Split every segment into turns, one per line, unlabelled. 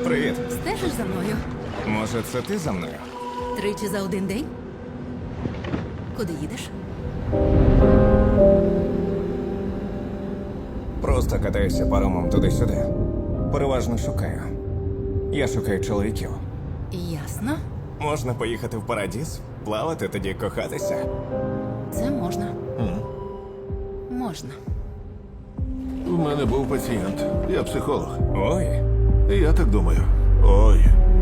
Привіт.
Стежиш за мною?
Може, це ти за мною?
Тричі за один день? Куди їдеш?
Просто катаюся паромом туди-сюди. Переважно шукаю. Я шукаю чоловіків.
Ясно.
Можна поїхати в Парадіз, плавати, тоді кохатися.
Це можна. Можна.
У мене був пацієнт. Я психолог.
Ой,
І я так думаю. Ой.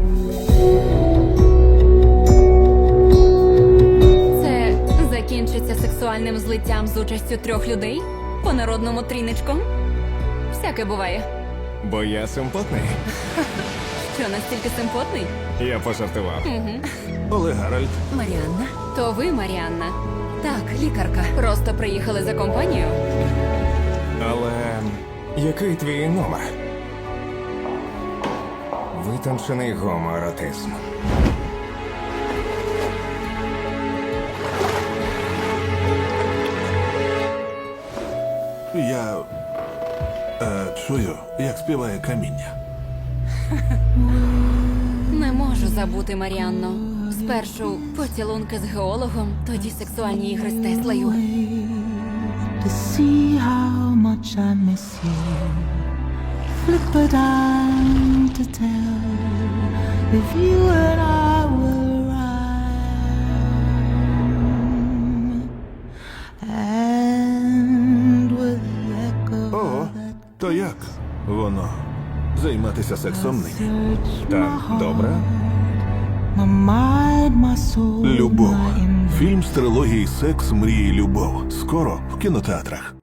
Це закінчиться сексуальним злиттям з участю 3 людей? По народному тріничком? Всяке буває.
бо я симпотний.
Що, настільки симпотний?
Я пожартував.
Олег Гаральд.
Маріанна?
То ви, Маріанна,
Так, лікарка.
просто приїхали за компанію?
Але який твій номер? Витончений гомоеротизм.
Я чую, як співає каміння.
Не можу забути, Маріанно. Спершу поцілунки з геологом, тоді сексуальні ігри з Теслою.
To see how much I miss you. Flip a dime to tell if you and I were rhyme. And with the echo
Ого, то як воно? Займатися сексом нині?
search
Так,
my heart,
добре.
my mind, my soul,
Любов.
my
Фільм з трилогії «Секс, мрії, любов». Скоро в кінотеатрах.